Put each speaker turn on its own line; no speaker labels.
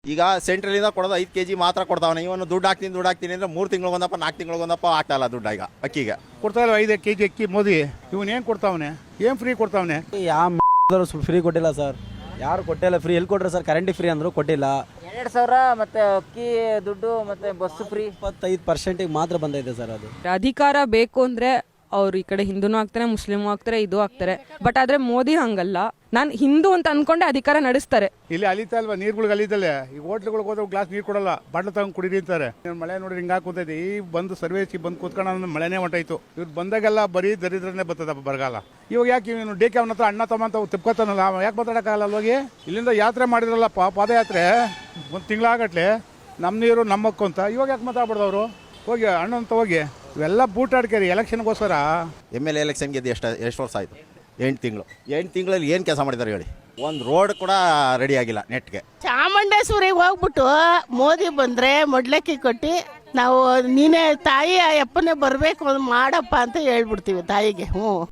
ಈಗ ಸೆಂಟ್ರಲಿಂದ ಕೊಡೋದು 5 kg ಮಾತ್ರ ಕೊಡ್ತಾವನೆ. ಇವನು ದುಡ್ಡು ಹಾಕ್ತೀನಿ ಅಂದ್ರೆ 3 ತಿಂಗಳಿಗೊಂದಪ್ಪ 4 ತಿಂಗಳಿಗೊಂದಪ್ಪ ಆಗ್ತಾ ಇಲ್ಲ ದುಡ್ಡು ಈಗ ಅಕ್ಕಿಗೆ.
ಕೊಡ್ತಾ ಇಲ್ಲ 5 kg ಅಕ್ಕಿ ಮೋದಿ. ಇವನು ಏನು ಕೊಡ್ತಾವನೆ, ಏನು ಫ್ರೀ ಕೊಡ್ತಾವನೆ?
ಯಾವ ಫ್ರೀ ಕೊಟ್ಟಿಲ್ಲ ಸರ್, ಯಾರು ಕೊಟ್ಟಿಲ್ಲ. ಫ್ರೀ ಎಲ್ಲಿ ಕೊಟ್ರೆ ಸರ್? ಕರೆಂಟ್ ಫ್ರೀ ಅಂದ್ರು ಕೊಟ್ಟಿಲ್ಲ.
2,000 ಮತ್ತೆ ಅಕ್ಕಿ ದುಡ್ಡು ಮತ್ತೆ ಬಸ್ ಫ್ರೀ
25% ಮಾತ್ರ ಬಂದೈತೆ ಸರ್. ಅದು
ಅಧಿಕಾರ ಬೇಕು ಅಂದ್ರೆ ಅವ್ರು ಈ ಕಡೆ ಹಿಂದೂನು ಆಗ್ತಾರೆ, ಮುಸ್ಲಿಮು ಆಗ್ತಾರೆ, ಇದು ಆಗ್ತಾರೆ. ಬಟ್ ಆದ್ರೆ ಮೋದಿ ಹಂಗಲ್ಲ. ನಾನು ಹಿಂದೂ ಅಂತ ಅನ್ಕೊಂಡೆ ಅಧಿಕಾರ ನಡೆಸ್ತಾರೆ.
ಇಲ್ಲಿ ಅಲಿತಾ ಅಲ್ವಾ, ನೀರುಗಳಿಗೆ ಅಲಿತಲ್ಲೇ. ಈಗ ಹೋಟ್ಲುಗಳಿಗೆ ಹೋದ್ರೆ ಗ್ಲಾಸ್ ನೀರು ಕೊಡಲ್ಲ, ಬಾಟ್ಲು ತಗೊಂಡು ಕುಡೀರಿ ಅಂತಾರೆ. ಮಳೆ ನೋಡಿ ಹಿಂಗೆ ಕೂತೈತಿ. ಈ ಬಂದು ಸರ್ವೇಸಿ ಬಂದು ಕೂತ್ಕೊಂಡು ಮಳೆನೇ ಹೊಂಟಾಯ್ತು. ಇವ್ರು ಬಂದಾಗೆಲ್ಲ ಬರೀ ದರಿದ್ರನೇ ಬರ್ತದಪ್ಪ ಬರಗಾಲ. ಇವಾಗ ಯಾಕೆ ಇವನು ಡಿ ಕೆ ಅವನ ಹತ್ರ ಅಣ್ಣ ತಮ್ಮ ಅಂತ ತಿಪ್ಕೋತಾನಲ್ಲ, ಯಾಕೆ ಮಾತಾಡೋಕ್ಕಾಗಲ್ಲ? ಹೋಗಿ ಇಲ್ಲಿಂದ ಯಾತ್ರೆ ಮಾಡಿದ್ರಲ್ಲಪ್ಪ, ಪಾದಯಾತ್ರೆ 1 ತಿಂಗಳಾಗಟ್ಲೆ. ನಮ್ಮ ನೀರು ನಮ್ಮಕ್ಕು ಅಂತ. ಇವಾಗ ಯಾಕೆ ಮಾತಾಡ್ಬಾರ್ದವ್ರು? ಹೋಗಿ ಅಣ್ಣ ಅಂತ ಹೋಗಿ. ಇವೆಲ್ಲ ಬೂಟಾಡ್ಕೇರಿ ಎಲೆಕ್ಷನ್ಗೋಸ್ಕರ.
MLA ಎಲೆಕ್ಷನ್ ಗೆದ್ದು ಎಷ್ಟು ವರ್ಷ ಆಯಿತು? 8 ತಿಂಗಳಲ್ಲಿ ಏನು ಕೆಲಸ ಮಾಡಿದ್ದಾರೆ ಹೇಳಿ? ಒಂದು ರೋಡ್ ಕೂಡ ರೆಡಿ ಆಗಿಲ್ಲ ನೆಟ್ಗೆ.
ಚಾಮುಂಡೇಶ್ವರಿಗೆ ಹೋಗ್ಬಿಟ್ಟು ಮೋದಿ ಬಂದರೆ ಮೊಡ್ಲಕ್ಕಿ ಕೊಟ್ಟು ನಾವು ನೀನೇ ತಾಯಿ ಅಪ್ಪನೇ ಬರಬೇಕು ಮಾಡಪ್ಪ ಅಂತ ಹೇಳ್ಬಿಡ್ತೀವಿ ತಾಯಿಗೆ.